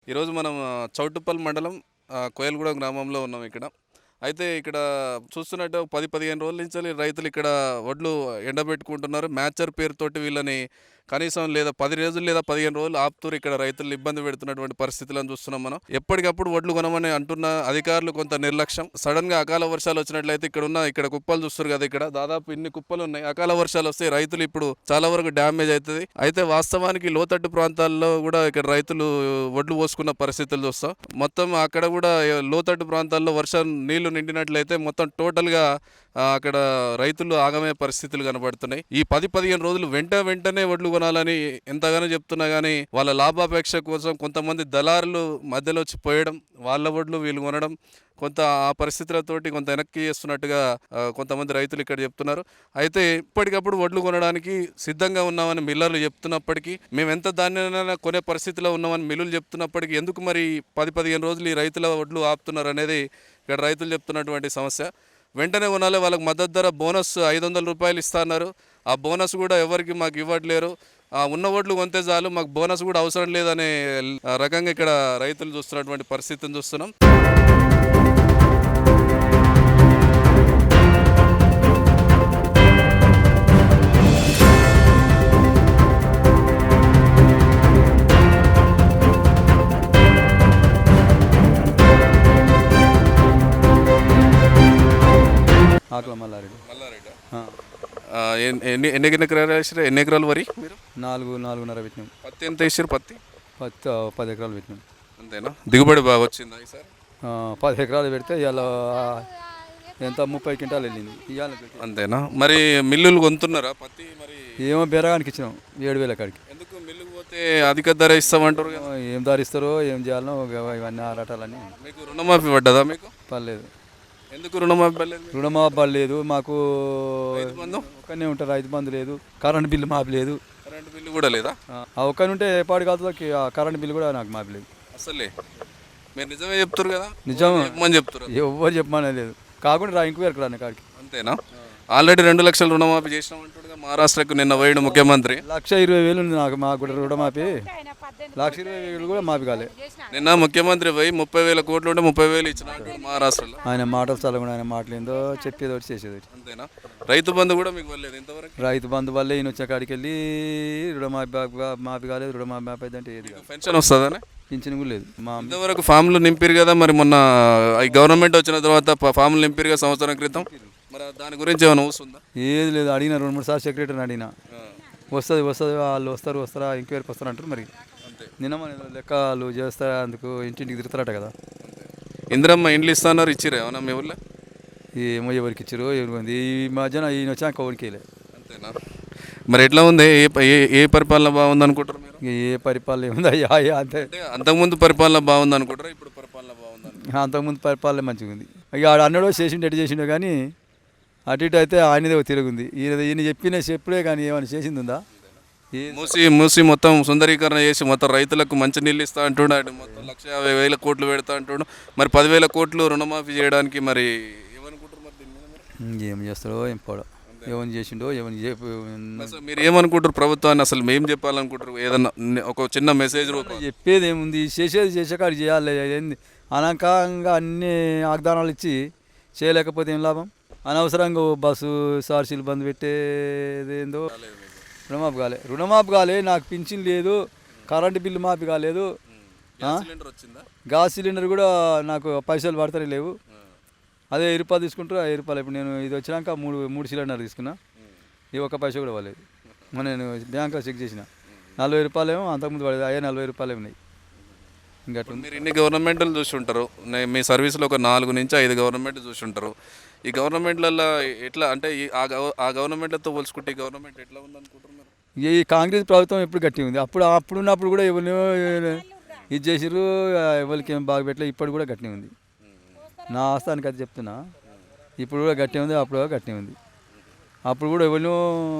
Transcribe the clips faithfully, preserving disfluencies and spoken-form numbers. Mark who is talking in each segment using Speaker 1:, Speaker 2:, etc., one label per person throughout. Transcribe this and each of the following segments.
Speaker 1: ఈరోజు మనం ఆ, చౌటుప్పల్ మండలం ఆ, కోయలగూడెం గ్రామంలో ఉన్నాం ఇక్కడ. అయితే ఇక్కడ చూస్తున్నట్టు పది పదిహేను రోజుల నుంచి రైతులు ఇక్కడ వడ్లు ఎండబెట్టుకుంటున్నారు. మ్యాచర్ పేరుతోటి వీళ్ళని కనీసం లేదా పది రోజులు లేదా పదిహేను రోజులు ఆపుతూరు ఇక్కడ రైతులు ఇబ్బంది పెడుతున్నటువంటి పరిస్థితులను చూస్తున్నాం మనం. ఎప్పటికప్పుడు వడ్లు కొనమని అంటున్న అధికారులు కొంత నిర్లక్ష్యం. సడన్ గా అకాల వర్షాలు వచ్చినట్లయితే ఇక్కడ ఉన్న ఇక్కడ కుప్పలు చూస్తారు కదా, ఇక్కడ దాదాపు ఇన్ని కుప్పలు ఉన్నాయి. అకాల వర్షాలు వస్తే రైతులు ఇప్పుడు చాలా వరకు డ్యామేజ్ అవుతుంది. అయితే వాస్తవానికి లోతట్టు ప్రాంతాల్లో కూడా ఇక్కడ రైతులు వడ్లు పోసుకున్న పరిస్థితులు చూస్తాం. మొత్తం అక్కడ కూడా లోతట్టు ప్రాంతాల్లో వర్షం నీళ్లు నిండినట్లయితే మొత్తం టోటల్ గా ఆ, అక్కడ రైతులు ఆగమే పరిస్థితులు కనబడుతున్నాయి. ఈ పది పదిహేను రోజులు వెంట వెంటనే వడ్లు కొనాలని ఎంతగానో చెప్తున్నా కానీ వాళ్ళ లాభాపేక్ష కోసం కొంతమంది దళారులు మధ్యలో వచ్చి పోయడం, వాళ్ళ వడ్లు వీళ్ళు కొనడం, కొంత ఆ పరిస్థితులతోటి కొంత వెనక్కి చేస్తున్నట్టుగా ఆ, కొంతమంది రైతులు ఇక్కడ చెప్తున్నారు. అయితే ఇప్పటికప్పుడు వడ్లు కొనడానికి సిద్ధంగా ఉన్నామని మిల్లర్లు చెప్తున్నప్పటికీ, మేము ఎంత ధాన్యాన్ని కొనే పరిస్థితిలో ఉన్నామని మిల్లులు చెప్తున్నప్పటికీ ఎందుకు మరి పది పదిహేను రోజులు ఈ రైతుల వడ్లు ఆపుతున్నారు అనేది ఇక్కడ రైతులు చెప్తున్నటువంటి సమస్య. వెంటనే కొనాలి, వాళ్ళకి మద్దతు ధర బోనస్ ఐదు వందల రూపాయలు ఇస్తున్నారు. ఆ బోనస్ కూడా ఎవరికి మాకు ఇవ్వట్లేరు. ఆ ఉన్న ఓట్లు కొంతే చాలు, మాకు బోనస్ కూడా అవసరం లేదనే రకంగా ఇక్కడ రైతులు చూస్తున్నటువంటి పరిస్థితిని చూస్తున్నాం.
Speaker 2: ఆకుల మల్లారెడ్డి.
Speaker 1: మల్లారెడ్డి
Speaker 2: ఆ,
Speaker 1: ఎన్ని ఎన్ని ఎకరాలు వేసారు? ఎన్ని ఎకరాలు వరి మీరు?
Speaker 2: నాలుగు నాలుగున్నర పెట్టినాం.
Speaker 1: పత్తి ఎంత వేసారు? పత్తి
Speaker 2: పత్తి ఆ, పది ఎకరాలు పెట్టినాం.
Speaker 1: అంతేనా? దిగుబడి బాగా వచ్చిందా ఈసారి?
Speaker 2: ఆ, పది ఎకరాలు పెడితే ఇవాళ ఎంత ముప్పై క్వింటాలు వెళ్ళింది ఇవాళ.
Speaker 1: అంతేనా? మరి మిల్లులు కొంటున్నారా పత్తి? మరి
Speaker 2: ఏమో బెరగానికి ఇచ్చినాం ఏడు వేల కాడికి.
Speaker 1: ఎందుకు మిల్లుకు పోతే అధిక ధర ఇస్తామంటారు కదా?
Speaker 2: ఏం దారిస్తారో ఏం చేయాలనో ఇవ- ఇవన్నీ ఆరాటాలని
Speaker 1: మీకు రుణమాఫీ పడ్డదా? మీకు
Speaker 2: పర్లేదు.
Speaker 1: ఎందుకు రుణమాఫీ పడలేదు?
Speaker 2: రుణమాఫీ పడలేదు మాకు.
Speaker 1: రైతు బంధు?
Speaker 2: ఒక్కనే ఉంటారు, రైతు బంధు లేదు, కరెంట్ బిల్లు మాఫీ లేదు.
Speaker 1: కరెంటు బిల్లు కూడా లేదా?
Speaker 2: ఆ ఒక్కని ఉంటే పాడి కాదులకి ఆ కరెంట్ బిల్లు కూడా నాకు మాఫీ లేదు.
Speaker 1: అసలే మీరు నిజమే చెప్తారు కదా?
Speaker 2: నిజం
Speaker 1: చెప్పమని చెప్తారు.
Speaker 2: ఎవ్వరు చెప్పమనే లేదు. కాకుండా రా ఇంకో ఎక్కడ కాడికి.
Speaker 1: అంతేనా? ఆల్రెడీ రెండు లక్షలు రుణమాఫీ చేసినామంటాడుగా మహారాష్ట్రకు నిన్న పోయిన ముఖ్యమంత్రి.
Speaker 2: లక్ష ఇరవై వేలు ఉంది నాకు మాకు కూడా రుణమాఫీ. లక్ష ఇరవై వేలు కూడా మాఫీ కాలే.
Speaker 1: నిన్న ముఖ్యమంత్రి పోయి ముప్పై వేల కోట్లు ఉంటే ముప్పై వేలు ఇచ్చినట్టు మహారాష్ట్రలో.
Speaker 2: ఆయన మాటలు చల్లకుండా ఆయన మాటలు ఏందో చెప్పేది ఒకటి చేసేది ఒకటి.
Speaker 1: అంతేనా? రైతు బంధు కూడా మీకు వెళ్ళలేదు ఇంతవరకు?
Speaker 2: రైతు బంధు వల్లే ఈయన వచ్చే కాడికి వెళ్ళి రుణమాఫీ బా- మాఫీ కాలేదు, రుణమాఫీ మాఫీ అంటే ఏది కాదు.
Speaker 1: పెన్షన్ వస్తుందని
Speaker 2: పింఛన్ కూడా లేదు. మా
Speaker 1: ఇంతవరకు ఫామ్లు నింపిరు కదా, మరి మొన్న ఈ గవర్నమెంట్ వచ్చిన తర్వాత ప- ఫామ్లు నింపిరు కదా సంవత్సరం క్రితం, మరి దాని గురించి ఏమైనా ఊస్తుందా?
Speaker 2: ఏది లేదు. అడిగిన రెండు మూడు సార్లు సెక్రటరీని అడిగిన, వస్తుంది వస్తుంది వాళ్ళు వస్తారు వస్తారా ఎంక్వైరీకి వస్తారు అంటారు. మరి నిన్న మన లెక్కలు చేస్తారా, అందుకు ఇంటింటికి తిరుగుతారట కదా.
Speaker 1: ఇందిరమ్మ ఇండ్లు ఇస్తున్నారు, ఇచ్చిరా ఏమన్నా మీ ఊళ్ళో?
Speaker 2: ఏమో ఎవరికి ఇచ్చారు ఎవరికి ఉంది. ఈ మధ్యన ఈయన వచ్చాక ఎవరికి వెళ్ళే.
Speaker 1: అంతేనా? మరి ఎట్లా ఉంది? ఏ ప- ఏ ఏ పరిపాలన బాగుంది అనుకుంటారు మీరు?
Speaker 2: ఇక ఏ పరిపాలన ఏముంది అయ్యా అయ్యా అంతే.
Speaker 1: అంటే అంతకుముందు పరిపాలన బాగుంది అనుకుంటారా, ఇప్పుడు పరిపాలన బాగుంది అనుకుంటారా?
Speaker 2: అంతకుముందు పరిపాలన మంచిగా ఉంది. ఇక ఆడ అన్నడో చేసిండు ఎటు చేసిండో కానీ అటు ఇటు అయితే ఆయనదే తిరుగుంది. ఈయన ఈయన చెప్పిన చెప్పుడే కానీ ఏమైనా చేసింది ఉందా? ఏ
Speaker 1: మూసి మూసి మొత్తం సుందరీకరణ చేసి మొత్తం రైతులకు మంచి నీళ్ళు ఇస్తా అంటున్నాడు, మొత్తం లక్ష యాభై వేల కోట్లు పెడతా అంటున్నాడు. మరి పదివేల కోట్లు రుణమాఫీ చేయడానికి మరి ఏమనుకుంటారు? మరి దీని మీద మీరు?
Speaker 2: ఏం చేస్తాడో ఏం పోడో, ఏమని చేసిండో ఏమని చెప్పి
Speaker 1: అసలు మీరు ఏమనుకుంటారు ప్రభుత్వాన్ని? అసలు మేము చెప్పాలనుకుంటారు ఏదన్నా ని- ఒక చిన్న మెసేజ్ రూపం?
Speaker 2: చెప్పేది ఏముంది, చేసేది చేసేకాడు చేయాలి. ఏంది అనాకంగా అన్ని వాగ్దానాలు ఇచ్చి చేయలేకపోతే ఏం లాభం? అనవసరంగా ఓ బస్సు సార్సీలు బంద్ పెట్టేది ఏందో. రుణమాఫీ కాలే, రుణమాఫీ కాలే, నాకు పింఛన్ లేదు, కరెంటు బిల్లు మాఫీ కాలేదు.
Speaker 1: గ్యాస్ సిలిండర్ వచ్చిందా?
Speaker 2: గ్యాస్ సిలిండర్ కూడా నాకు పైసలు పడతానే లేవు. అదే వెయ్యి రూపాయలు తీసుకుంటారు. ఆ వెయ్యి రూపాయలు ఇప్పుడు నేను ఇది వచ్చినాక మూడు మూడు సిలిండర్ తీసుకున్నా, ఈ ఒక్క పైసా కూడా పడలేదు. మొన్న నేను బ్యాంక్లో చెక్ చేసిన నలభై రూపాయలు ఏమో అంతకుముందు పడేది, అయ్యే నలభై రూపాయలు ఉన్నాయి. ఇంకా అట్లా
Speaker 1: మీరు ఇన్ని గవర్నమెంట్లు చూసి ఉంటారు, నే- మీ సర్వీస్లో ఒక నాలుగు నుంచి ఐదు గవర్నమెంట్ చూసి ఉంటారు. ఈ గవర్నమెంట్లలో ఎట్లా అంటే ఈ ఆ గవ- ఆ గవర్నమెంట్లతో పోల్చుకుంటే ఈ గవర్నమెంట్ ఎట్లా ఉంది అనుకుంటున్నారు?
Speaker 2: ఈ కాంగ్రెస్ ప్రభుత్వం ఎప్పుడు గట్టి ఉంది. అప్పుడు అప్పుడు ఉన్నప్పుడు కూడా ఎవరినో ఇది చేసిర్రు, ఎవరికి ఏం బాగా పెట్టలే. ఇప్పుడు కూడా గట్టి ఉంది. నా ఆస్థానికి అది చెప్తున్నా. ఇప్పుడు కూడా గట్టి ఉంది, అప్పుడు కూడా గట్టి ఉంది. అప్పుడు కూడా ఎవరినో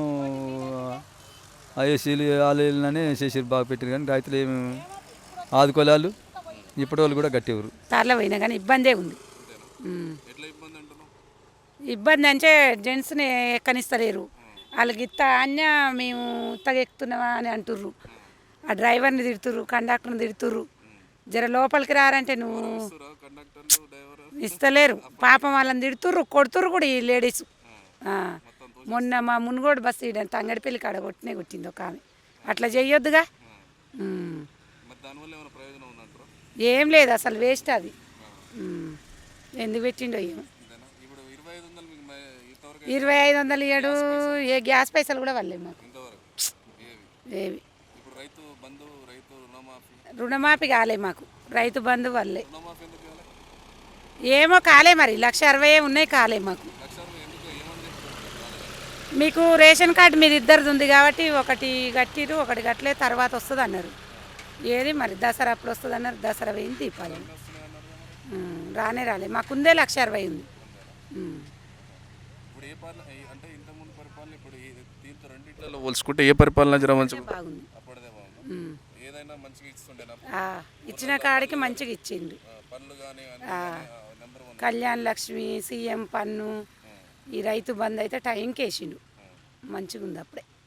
Speaker 2: ఐఎస్సీలు వాళ్ళనే చేసిర్రు, బాగా పెట్టారు. కానీ రైతులు ఏమి ఆదుకోలేళ్ళు. ఇప్పటి వాళ్ళు కూడా గట్టి ఎవరు
Speaker 3: తార్లో పోయినా కానీ ఇబ్బందే ఉంది. ఉమ్.
Speaker 1: ఎట్లా ఇబ్బంది అంటున్నావు?
Speaker 3: ఇబ్బంది అంటే జెంట్స్ని ఎక్కనిస్తలేరు. వాళ్ళకి ఇత్త అన్య మేము ఇత్తగా ఎక్కుతున్నావా అని అంటుర్రు. ఆ డ్రైవర్ని తిడుతుర్రు, కండక్టర్ని తిడుతుర్రు. జర లోపలికి రారంటే నువ్వు
Speaker 1: కండక్టర్లు డ్రైవర్
Speaker 3: ఇస్తలేరు. పాపం వాళ్ళని తిడుతుర్రు, కొడుతుర్రు కూడా ఈ లేడీస్. మొన్న మా మునుగోడు బస్సు ఈడ తంగడిపల్లి కాడ కొట్టినే కొట్టింది ఒక ఆమె. అట్లా చెయ్యొద్దుగా. ఉమ్.
Speaker 1: మరి దానివల్ల ఏమైనా ప్రయోజనం ఉందంటారా?
Speaker 3: ఏం లేదు, అసలు వేస్ట్ అది. ఉమ్. ఎందుకు పెట్టిండో ఏమో.
Speaker 1: అంతేనా? ఇప్పుడు ఇరవై ఐదు వందలు మీకు మ- ఇంతవరకు
Speaker 3: ఇరవై ఐదు వందలు ఇయ్యడు, ఏ గ్యాస్ పైసలు కూడా వల్లేవు మాకు
Speaker 1: ఇంతవరకు ఏవి?
Speaker 3: ఏవి.
Speaker 1: ఇప్పుడు రైతు బంధు, రైతు రుణమాఫీ
Speaker 3: రుణమాఫీ కాలే మాకు, రైతు బంధు వల్లే.
Speaker 1: రుణమాఫీ ఎందుకు ఇవ్వాలి?
Speaker 3: ఏమో కాలే, మరి లక్ష అరవై ఉన్నాయి కాలే మాకు.
Speaker 1: లక్ష అరవై ఎందుకు ఏమని చెప్తారు?
Speaker 3: మీకు రేషన్ కార్డు మీరు ఇద్దరిది ఉంది కాబట్టి ఒకటి కట్టిరు, ఒకటి కట్టలే, తర్వాత వస్తుంది అన్నారు. ఏది మరి దసరా అప్పుడు వస్తుంది అన్నారు, దసరా పోయింది, దీపావళి ఉమ్, రానే రాలే. మాకుందే లక్ష అరవై ఉంది. ఉమ్.
Speaker 1: ఇప్పుడు ఏ పాలన ఏ- అంటే ఇంతకుముందు పరిపాలన ఇప్పుడు ఈ- దీంతో రెండిట్లలో పోల్చుకుంటే ఏ పరిపాలన జర మంచిగా
Speaker 3: బాగుంది.
Speaker 1: అప్పుడదే బాగుంది.
Speaker 3: ఉమ్.
Speaker 1: ఏదైనా మంచిగా ఇస్తుండేనా?
Speaker 3: ఆ, ఇచ్చిన కాడికి మంచిగా ఇచ్చిండు.
Speaker 1: ఆ, పనులు కానీ number one.
Speaker 3: Kalyan Lakshmi, CM పన్ను, ఈ రైతు బంధు అయితే టైంకి వేసిండు. మంచిగా ఉంది అప్పుడే.